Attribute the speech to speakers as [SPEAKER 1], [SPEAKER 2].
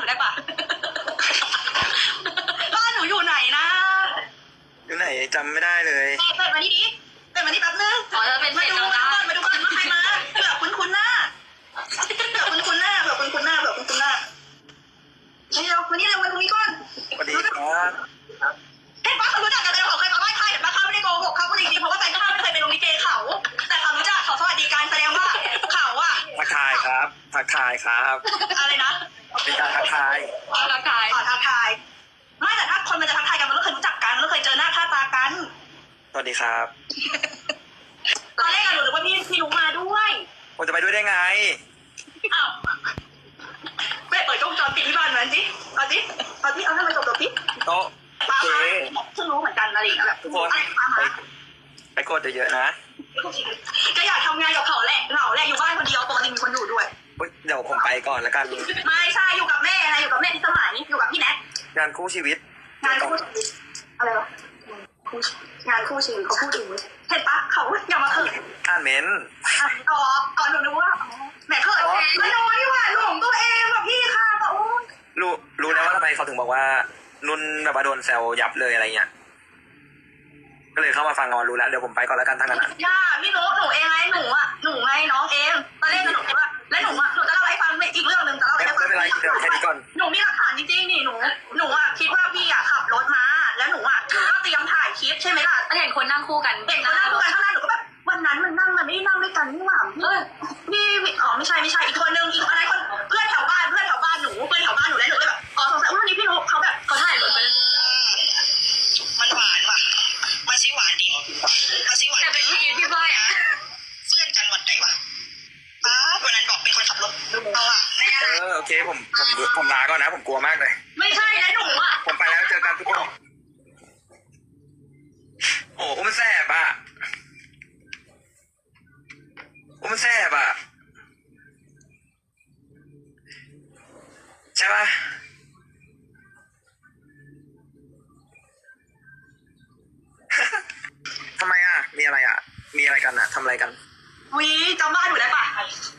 [SPEAKER 1] ได้ปะ บ้านหนูอยู่ไหนนะ
[SPEAKER 2] อยู่ไหนจำไม่ได้เลย
[SPEAKER 1] เปิดมานี่ดิเปิดมานี่แป๊บนึง
[SPEAKER 3] อ๋อจะเป็น
[SPEAKER 1] มา
[SPEAKER 3] เพจ
[SPEAKER 1] ดู
[SPEAKER 3] เรา
[SPEAKER 1] มา
[SPEAKER 3] ได้
[SPEAKER 1] ดูก่อนว่าใครมาเผื่อคุ้นๆหน้าเผื่อคุ้นๆหน้าเผื่อคุ้นๆหน้านี่เราวันนี้เราวันนี้ก่อน
[SPEAKER 2] สวัสดีครับ
[SPEAKER 1] เห็นปะเขารู้จักกันแต่เราเคยมาไหว้ใครเห็นปะเขาไม่ได้โกหกเขาพูดจริงๆเพราะว่าแฟนข้าไม่เคยไปลงลิเกเขาแต่เขารู้จักเขาสวัสดีการแสดงว่าเขาอะ
[SPEAKER 2] ทักทายครับทักทายครับ
[SPEAKER 1] อะไรนะ
[SPEAKER 2] เป็นการทักทาย
[SPEAKER 3] ร่างกาย
[SPEAKER 1] ขอทักทายไม่แต่ถ้าคนมันจะทักทายกันมันก็เคยรู้จักกันมันก็เคยเจอหน้าค่าตากัน
[SPEAKER 2] สวัสดีครับ
[SPEAKER 1] ตอนแรกอะหนูนึกว่าพี่รู้มาด้วย
[SPEAKER 2] ผมจะไปด้วยได้ไง
[SPEAKER 1] อ้าวเปิดกล้องจอปิดที่บ้านมันสิเอาให้มันจบๆสิ
[SPEAKER 2] โต๊ะ
[SPEAKER 1] ป้า
[SPEAKER 2] เจ๊
[SPEAKER 1] เพิ่งรู้เหมือนกันอะไรอย่างเงี้ยแบบ
[SPEAKER 2] ทุกคนไปกดเยอะๆนะ
[SPEAKER 1] ก็อยากทำงานกับเขาแหละเหงาแหละอยู่บ้านคนเดียวปกติมีคนอยู่ด้วย
[SPEAKER 2] อุ๊ยเดี๋ยวผมไปก่อนแล้วกัน
[SPEAKER 1] ไม่ใช่อยู่กับแม่อะไรอยู่กับแม่ที่สมัยอยู่กับพี่แนท
[SPEAKER 2] งานคู่ชีวิต
[SPEAKER 1] งานคู่ชีวิตอะไรวะงานคู่ชีวิตเขาพูดถึงเห็นปะเขาอย่ามาเขิน
[SPEAKER 2] อ่านเม้นต์
[SPEAKER 1] อ๋อหนูนึกว่าแหมเขินไม่น้อยนี่หว่าหลงตัวเองแบบพี่ค่ะแบบโอ้
[SPEAKER 2] รู้แล้วว่าทำไมเขาถึงบอกว่านุ่นแบบว่าโดนแซวยับเลยอะไรเงี้ยก็เลยเข้ามาฟังงอนรู้แล้วเดี๋ยวผมไปก่อนแล้วกันทั้งนั้นอะ
[SPEAKER 1] ย่าพี่นุ๊กหนูเองไงหนูไงน้องเองตอนแรกหนูคิดว่าแล้วหนูจะเล่าให้ฟังอีกเรื่องหนึ่งจะเล่า
[SPEAKER 2] ไม่
[SPEAKER 1] ให้ฟัง
[SPEAKER 2] เป็นไรเดี๋ยวแค่นี้ก่อน
[SPEAKER 1] หนูมีหลักฐานจริงๆนี่หนูคิดว่าพี่ขับรถมาแล้วหนูก็เตรียมถ่ายคลิปใช่ไหมล่ะ
[SPEAKER 3] เห็นคนนั่งคู่กัน
[SPEAKER 1] เห็นเขานั่งด้วยกันข้างหน้าหนูก็แบบวันนั้นมันนั่งมันไม่ได้นั่งด้วยกันนี่หว่าพี่อ๋อไม่ใช่อีกคนนึงอีกอะไรคนเพื่อนแถวบ้านหนูเพื่อนแถวบ้านหนูแล้วหนูเลยแบบอ๋อสงสัยว่าวันนี้พี่นุ๊กเขาแบบเขาถ่ายรถไปมันหวานว่ะมันชิหวานดีมันชิหวาน
[SPEAKER 3] แต่เป็นพี่บ้ายอ่ะ
[SPEAKER 1] เพื่อนกันวันไหนวะป้าวันนั้นบอกเป็นคนขับรถเอาอะแน่
[SPEAKER 2] โอเคผมลาก่อนนะผมกลัวมากเลย
[SPEAKER 1] ไม่ใช่แล้วหนูอะ
[SPEAKER 2] ผมไปแล้วเจอกันทุกคนโอ้มันแสบอ่ะมันแสบอ่ะใช่ปะทำไมอ่ะมีอะไรอ่ะมีอะไรกันอ่ะทำอะไรกัน
[SPEAKER 1] วีจำบ้านหนูได้ปะ